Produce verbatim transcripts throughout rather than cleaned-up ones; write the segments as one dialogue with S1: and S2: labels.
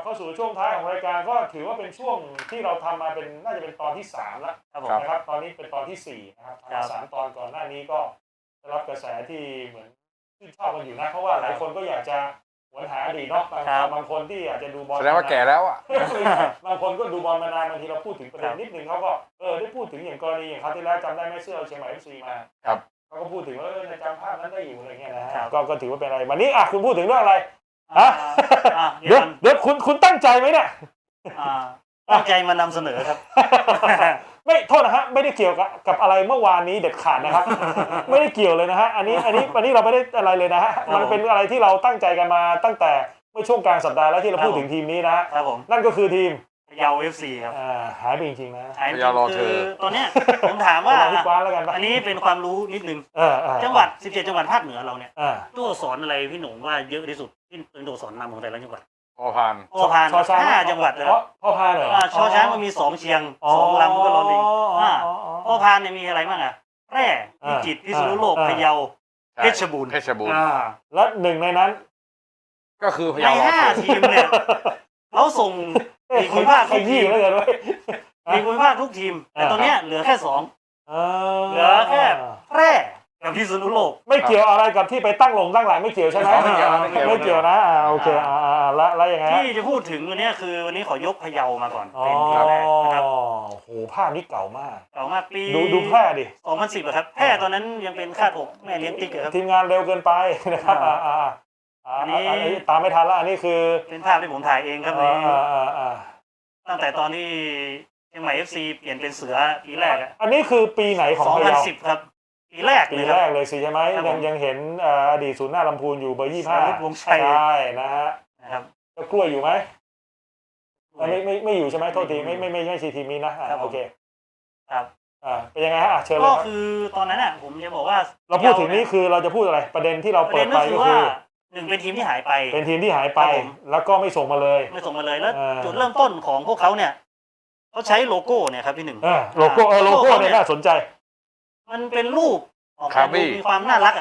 S1: เข้าสู่ช่วงท้ายของรายการก็ถือว่าเป็นช่วงที่เราทำมาเป็นน่าจะเป็นตอนที่สามแล้วนะครับตอนนี้เป็นตอนที่สี่นะครับสามตอนก่อนหน้านี้ก็ได้รับกระแสที่เหมือนชื่นชอบกันอยู่นะเพราะว่าหลายคนก็อยากจะหวนหาอดีตเนาะบางคนที่อาจจะดูบอล
S2: แสดงว่าแก่แล้วอ่ะ
S1: บางคนก็ดูบอลมานานบางทีเราพูดถึงประเด็นนิดนึงเขาก็เออได้พูดถึงอย่างกรณีอย่างคราวที่แล้วจำได้ไหมเสื้อเชียงใหม่ เอฟ ซี มา
S2: ครับ
S1: เขาก็พูดถึงว่าในจำภาพนั้นได้อยู่อะไรเงี้ยนะฮะก็ก็ถือว่าเป็นอะไรวันนี้อ่ะคุณพูดถึงเรื่องอะไรฮะเดี๋ยวเดี๋ยวคุณคุณตั้งใจไหมเนี่ย
S3: ตั้งใจมานำเสนอครับ
S1: ไม่โทษนะฮะไม่ได้เกี่ยวกับกับอะไรเมื่อวานนี้เด็ดขาดนะครับไม่ได้เกี่ยวเลยนะฮะอันนี้อันนี้อันนี้เราไม่ได้อะไรเลยนะฮะมันเป็นอะไรที่เราตั้งใจกันมาตั้งแต่เมื่อช่วงกลางสัปดาห์แล้วที่เราพูดถึงทีมนี้นะครับ
S3: ผม
S1: นั่นก็คือทีม
S3: พะเยา เอฟ ซี ครับ
S1: อ่าหายไปจริงๆนะ
S3: หายไปคือตอนเนี้ยผมถามว่าอันนี้เป็นความรู้นิดนึงจังหวัดสิบเจ็ดจังหวัดภาคเหนือเราเนี่ยตัวอักษรอะไรพี่หนุ่มว่าเยอะที่สุดที่เป็นตัวอักษรนำของแต่ละจังหวัด
S2: พอพาน
S3: พอพานห้าจังหวัดเลย
S1: พอพานเหรอ
S3: ชอช้างมันมีสองเชียงสองลำก็รอลิงพอพานเนี่ยมีอะไรบ้างอ่ะแพร่พิจิตรพิษณุโลกพะเยาเพชรบูรณ์
S2: เพชรบูรณ์
S1: และหนึ่งในนั้น
S2: ก็คือพะเยา
S3: ในห้าทีมเนี่ยเขาส่งมีคุณภาคทุกทีม
S1: แล้วกันด้วย
S3: มีคุณภาคทุกทีมแต่ตอนนี้เหลือแค่สองเหลือแค่แพร่กับพิษณุโลก
S1: ไม่เกี่ยวอะไรกับที่ไปตั้งลงตั้งหลังไม่เกี่ยวใช่ไหม
S2: ไม่เกี่ยว
S1: ไม่เกี่ยวนะอ่าโอเคอ่าแล้วแล้วยังไง
S3: ที่จะพูดถึงวันนี้คือวันนี้ขอยกพะเยามาก่อนเป็นทีมแรกนะครับ
S1: โอ้โหภาพนี้เก่ามาก
S3: เก่ามากปี
S1: ดูดูแพร่ดิ
S3: สองพันสิบครับแพร่ตอนนั้นยังเป็นคาดอกแม่เลี้ยงติ๊กครับ
S1: ทีมงานเร็วเกินไปนะครับอ่าอ่าอันนี้ตามไม่ทันแล้วอันนี้คือ
S3: เป็นภาพที่ผมถ่ายเองครับนี้ตั้งแต่ตอนที่เชียงใหม่ เอฟ ซี เปลี่ยนเป็นเสือปีแรกอ่ะ
S1: อันนี้คือปีไหนของ
S3: พะเยาสองพันสิบครับปีแรก
S1: ปีแรกเลยสิใช่ไหมยังยังเห็นอดีตศูนย์หน้าลำพูนอยู่เบอร์ยี่สิบห้าว
S3: งชัย
S1: ใช่นะฮะ
S3: นะครับ
S1: แล้วกล้วยอยู่ไหมไม่ไม่ไม่อยู่ใช่ไหมโทษทีไม่ไม่ไม่ไม่ใช่ทีมนี้นะโอเค
S3: ครับ
S1: อ่าเป็นยังไงฮะเชิญเลย
S3: ก็คือตอนนั้นอ่ะผมจะบอกว่า
S1: เราพูดถึงนี้คือเราจะพูดอะไรประเด็นที่เราเปิดไปก็คือ
S3: หนึ่งเป็นทีมที่หายไป
S1: เป็นทีมที่หายไปแล้วก็ไม่ส่งมาเลย
S3: ไม่ส่งมาเลยแล้วจุดเริ่มต้นของพวกเขาเนี่ยเขาใช้โลโก้เนี่ยครับพี่หนึ่ง
S1: โลโก้เออโลโก้เนี่ยน่าสนใจ
S3: มันเป็นรูปออกมาดูมีความน่ารักอ่ะ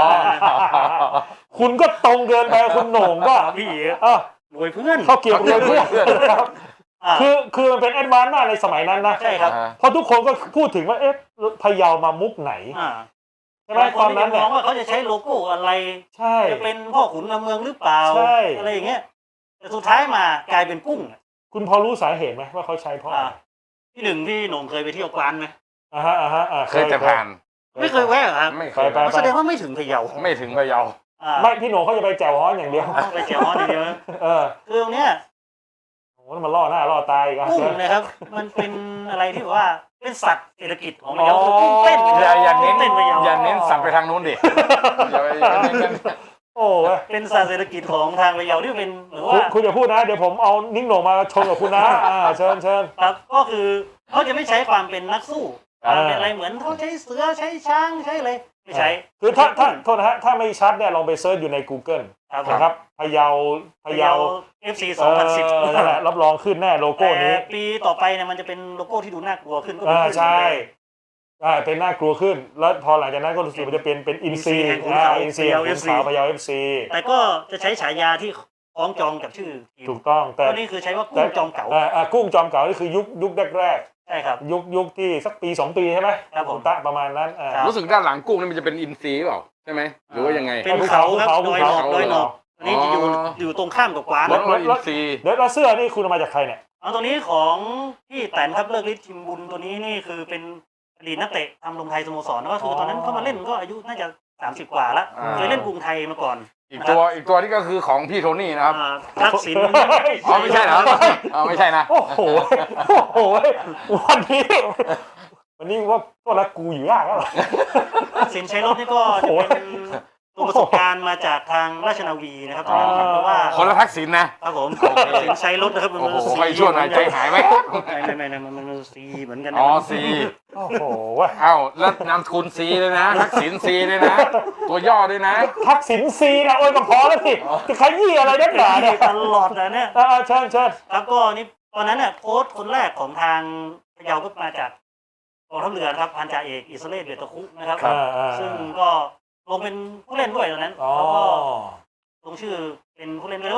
S1: คุณก็ตรงเกินไปคุณโหน่งก็
S3: พี่
S1: อ่ะ
S3: รวยเพื่อน
S1: เขาเกี่ยวรวยเพื่อนคือคือมันเป็นแอดวานซ์มากในสมัยนั้นนะ
S3: ใช่ครับ
S1: เพราะทุกคนก็พูดถึงว่าเอ๊ะพะเยามามุกไหนใช่ไหมตอนนั้น
S3: เนี่ยมองว่าเขาจะใช้โลโก้อะไร
S1: ใช่
S3: จะเป็นพ่อขุนเมืองหรือเปล่าอะไรอย่างเงี้ยแต่สุดท้ายมากลายเป็นกุ้ง
S1: คุณพอรู้สาเหตุไหมว่าเขาใช้เพราะ
S3: พี่หนึ่งพี่หนุ่มเคยไปเที่ยวกวานไหม
S1: อ่าฮะอ่าฮะ
S2: เคยแต่ผ่าน
S3: ไม่เคยแวะเหรอครับ
S2: ไม่เคย
S3: แสดงว่าไม่ถึงพะเยา
S2: ไม่ถึงพะเยา
S1: ไม่พี่หนุ่มเขาจะไปแจ่วฮ้อนอย่างเดียว
S3: ไปแจ่วฮ้อนอย่างเดียว
S1: เออ
S3: คือตรงเนี้ย
S1: โอ้มันล่อหน้าล่อตาอีก
S3: กุ้งนะครับมันเป็นอะไรที่ว่าเป็นสัตว์เศรษฐกิจของพะเยาคือกุ้งเต้น
S2: อย่าอย่าเน้นอย่าเน้นสัตว์ไปทางนู้นดิอย่าไปเน้น
S1: โอ้
S3: เป็นสัตว์เศรษฐกิจของทางพะเยาที่เป็นหรือว่า
S1: คุณอย่าพูดนะเดี๋ยวผมเอานิ้งโหน่งมาชนกับคุณนะอ่าเชิญเชิญ
S3: ครับก็คือเขาจะไม่ใช้ความเป็นนักสู้เป็นอะไรเหมือนเขาใช้เสือใช้ช้างใช้อะไรไม่ใช้
S1: คือถ้าถ้าโทษนะฮะถ้าไม่ชัดเนี่ยลองไปเซิร์ชอยู่ใน Google นะครับพะเยา
S3: พะเยา เอฟ ซี สองพันสิบ
S1: นั่นแหละรับรองขึ้นแน่โลโก้นี้
S3: ปีต่อไปเนี่ยมันจะเป็นโลโก้ที่ดูน่ากลัวขึ้นก็
S1: เป็นใช่ใช่เป็นน่ากลัวขึ้นแล้วพอหลังจากนั้นก็รู้สึกมันจะเป็นเป็นอินซีอ่าอินซีของขาวพะเยา เอฟ ซี
S3: แต่ก็จะใช้ฉายาที่คล้องจองกับชื่อ
S1: ถูกต้องแต่
S3: นี่คือใช้ว่ากุ้งจอมเก๋า
S1: อ่ากุ้งจอมเก๋านี่คือยุคยุคแรก
S3: ใช่ครับ
S1: ยุคยุคที่สักปีสองปีใช่ไหม
S3: ครับผม
S1: ตะประมาณนั้น
S2: รู้สึกด้านหลังกุ้งนี่มันจะเป็นอินซีเปล่าใช่ไหมหรือว่ายังไง
S3: เป็นเขาครับดอยหนอกดอยหนอกอันนี้อยู่อยู่ตรงข้ามกับกวาน
S2: แล้วอินซี
S1: เดี๋ยวเราเสื้อนี่คุณมาจากใครเนี่ย
S3: เอาตัวนี้ของพี่แตนครับเลิกฤทธิ์ทิมบุญตัวนี้นี่คือเป็นอดีตนักเตะทำลงไทยสโมสรก็คือตอนนั้นเขามาเล่นก็อายุน่าจะสามสิบกว่าแล้วเคยเล่นกรุงไทยมาก่อน
S2: อีกตัวอีกตัวนี่ก็คือของพี่โทนี่นะครับ
S3: ทักษิณ
S2: อ๋อไม่ใช่เหรออ๋อไม่ใช่นะ
S1: โอ้โหโอ้โหวันนี้วันนี้ว่าตัวละกูอยู่ยากแล้ว
S3: ทักษิณใช้รถนี่ก็จะเป็นตัวประสบการณ์มาจากทางราชนาวีนะครับเพราะว่า
S2: คนละทักษิณนะครับ
S3: ผมสินใช้รถนะครับมัน
S2: โอ้โหใครช่วยหน่อยใจหายไหม
S3: ไม่ไม่ไม่มันมันซีเหมือนกัน
S2: อ๋อซี
S1: โอ้โห
S2: เอ้าแล้วนามสกุลซีเลยนะทักษิณซีเลยนะตัวย่อด้วยนะ
S1: ทักษิณซีนะโอ้ยก็พอแล้วสิจะขยี้อะไรนักหนาเนี่ย
S3: ตลอดนะเนี่ย
S1: อ่าเชิญเชิญ
S3: ครับก็นี่ตอนนั้นเนี่ยโค้ชคนแรกของทางพะเยาก็มาจากกองทัพเรือครับพันจ่าเอกอิสราเอลเบตตะคุนะครับซึ่งก็ลงเป็นผู้เล่นด้วยตอนนั้นแล้วก็ลงชื่อเป็นผู้เล่นด้วยแล้ว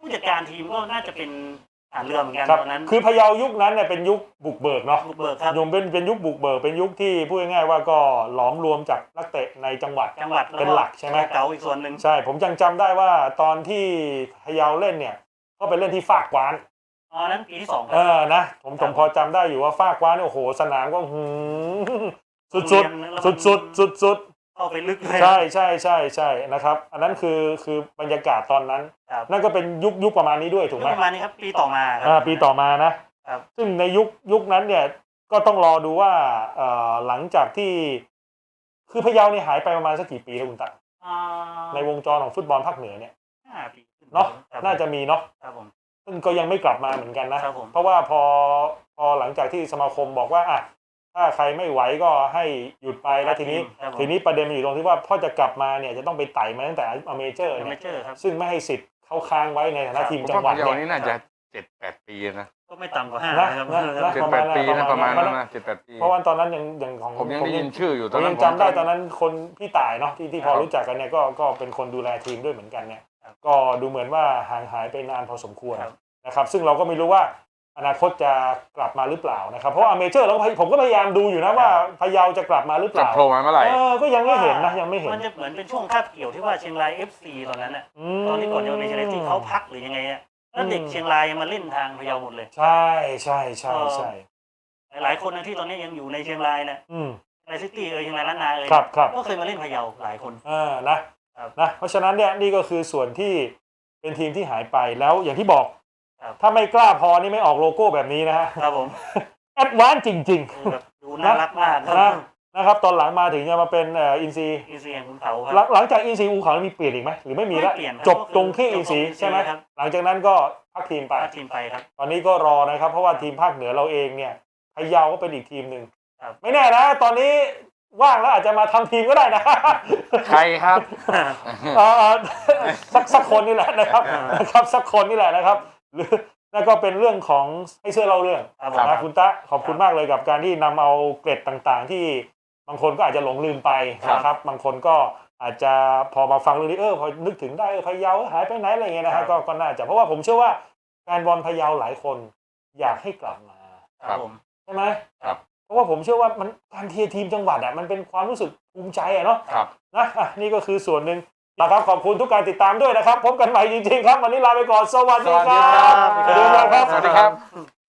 S3: ผู้จัดการทีมก็น่าจะเป็นทหารเรือเหมือนกัน
S1: ครับ
S3: ตอนนั้น
S1: คือพะเยายุคนั้นเนี่ยเป็นยุคบุกเบิกเนาะ
S3: บุกเบิกครับ
S1: ยมเป็นเป็นยุคบุกเบิกเป็นยุคที่พูดง่ายๆว่าก็หลอมรวมจากนักเตะในจังหวัด
S3: จังหวัด
S1: เป็นหลักใช่ไหม
S3: เก่าอีกส่วนหนึ่ง
S1: ใช่ผมยังจำได้ว่าตอนที่พะเยาเล่นเนี่ยก็ไปเล่นที่ฟากกวาน
S3: อ๋อนั้นปีที่สองค
S1: เอ
S3: รับ
S1: อนะผมผมพอจำได้อยู่ว่าฟากกวานเนี่ยโอ้โหสนามก็หืมสุดสุดสุดสุดสุดสุด
S3: เข้าไปลึกเลย
S1: ใช่ใช่ใช่ใช่นะครับอันนั้นคือคือบรรยากาศตอนนั้น
S3: ครับ
S1: นั่นก็เป็นยุคยุคประมาณนี้ด้วยถูกไหม
S3: ประมาณนี้ครับปีต่อมาครั
S1: อ่าปีต่อมานะครับ ซึ่งในยุคยุคนั้นเนี่ยก็ต้องรอดูว่าเอ่อหลังจากที่คือพะเยาเนี่ยหายไปประมาณสักกี่ปีแล้วคุณตา
S3: อ่า
S1: ในวงจรของฟุตบอลภาคเหนือเนี่ย
S3: ห้าปีขึ้
S1: เนาะ
S3: ครับ
S1: น่าจะมีเนาะ
S3: ครับผม
S1: ซึ่งก็ยังไม่กลับมาเหมือนกันนะครับ
S3: ผม
S1: เพราะว่าพอพอหลังจากที่สมาคมบอกว่าอ่ะถ้าใครไม่ไหวก็ให้หยุดไปแล้วทีนี้
S3: ครับผม
S1: ทีนี้ประเด็นมันอยู่ตรงที่ว่าพอจะกลับมาเนี่ยจะต้องไปไต่มาตั้งแต่อเมเจอร์
S3: เม
S1: เนี่ย
S3: เจอร์ครับ
S1: ซึ่งไม่ให้สิทธิ์เขาค้างไว้ในฐานะทีม
S2: ผม
S1: จัง
S2: ว่า
S1: หวัด
S2: พะเยา
S1: เนี่ย
S2: นี่น่าจะเจ็ดแปดปีนะ
S3: ก็ไม่ต่ำกว่าห้า
S1: นะ
S3: นะครับ
S1: นะนะ
S2: เจ็ดแปดปีนะประมาณนั้นนะเจ็ดแปดปี
S1: เพราะว่าตอนนั้นยังยังของ
S2: ผมยังได้ยินชื่ออยู่
S1: ผ
S2: ตอน
S1: ม
S2: นั้
S1: ยั
S2: น
S1: งจำได้ตอนนั้นคนพี่ต่ายเนาะที่ที่พอ
S2: ครับ
S1: รู้จักกันเนี่ยก็ก็เป็นคนดูแลทีมด้วยเหมือนกันเนี่ย
S3: ครับ
S1: ก็ดูเหมือนว่าห่างหายไปนานพอสมควร
S3: ครับ
S1: นะครับซึ่งเราก็ไม่รู้ว่าอนาคตจะกลับมาหรือเปล่านะครับเพราะว่าอเมเจอร์เราก็พยผมก็พยายามดูอยู่นะว่าพะเยาจะกลับมาหรือเป
S2: จะ
S1: ล่า
S2: โผล่มาเมื่อไหร่
S1: เออก็ยังไม่เห็นนะยังไม่เห็น
S3: มันจะเหมือนเป็นช่วงคาบเกี่ยวที่ว่าเชียงราย เอฟ ซี ตอนนั้นน่ะ
S1: ม
S3: ตอนที่ก่อนจะมาเป็นเชียงรายที่เขาพักหรือยังไงอ่ะแล้วเด็ก
S1: อืม
S3: เชียงรายมาเล่นทางพะเยาหมดเลย
S1: ใช่ใช่ใช่ใช่
S3: หลายๆคนนะที่ตอนนี้ยังอยู่ในเชียงรายนะ
S1: อืม
S3: ในซิตี้เอยเชียงรายล้านนาเอย
S1: ครับครับ
S3: ก็เคยมาเล่นพะเยาหลายคน
S1: เออนะครับ นะเพราะฉะนั้นเนี่ยนี่ก็คือส่วนที่เป็นทีมที่หายไปแล้วอย่างที่บอก
S3: ครับ
S1: ถ้าไม่กล้าพอนี่ไม่ออกโลโก้แบบนี้นะฮะ
S3: ครับผม
S1: แอดวานซ์จริง
S3: ดูแบบดูน่ารักมาก
S1: ๆนะนะครับตอนหลังมาถึงจะมาเป็นเอ่ออินซี
S3: อีซีแห่งคุณเขาค
S1: หลั
S3: รั
S1: งหลังจากอินซีอูเขามีเปลี่ยนอีกไหมหรือไม่มีละ
S3: ไม่เปลี่ยนครับ
S1: จบตรงที่อินซี
S3: จบตรง
S1: ใช่ไหม
S3: ครับ
S1: หลังจากนั้นก็พักทีมไป
S3: พาทีมไปครับ
S1: ตอนนี้ก็รอนะครับ เพราะว่าทีมภาคเหนือเราเองเนี่ยพะเยาก็เป็นอีกทีมหนึ่ง
S3: ครับ
S1: ไม่แน่นะ ตอนนี้ว่างแล้วอาจจะมาทำทีมก็ได้นะ
S2: ใครครับ
S1: เอ่อสักสักคนนี่แหละนะครับนะครับสักคนนี่แหละนะครับหรือนั่นก็เป็นเรื่องของให้เชื่อเล่าเรื่อง
S3: ครับผม
S1: นะคุณตะขอบคุณมากเลยกับการที่นำเอาเกร็ดต่างๆ ที่บางคนก็อาจจะหลงลืมไปนะครับบางคนก็อาจจะพอมาฟังเรื่องนี้เออพอนึกถึงได้เออพะเยาหายไปไหนอะไรเงี้ยนะฮะก็ก็น่าจะเพราะว่าผมเชื่อว่าแฟนบอลพะเยาหลายคนอยากให้กลับมา
S3: ครับผม
S1: ใช่ไหม
S2: ครับ
S1: เพราะว่าผมเชื่อว่ามันการเทียร์ทีมจังหวัดอ่ะมันเป็นความรู้สึกภูมิใจอ่ะเนาะ
S2: ครับ
S1: นะอ่ะนี่ก็คือส่วนหนึ่งนะครับขอบคุณทุกการติดตามด้วยนะครับ พบกันใหม่จริงๆครับ วันนี้ลาไปก่อน สวัส
S2: ส
S1: ดี
S2: วัส
S1: ค
S2: ดี
S1: รั
S2: ครับ บ
S1: สวัสดีครับ
S2: สวัสดีครับ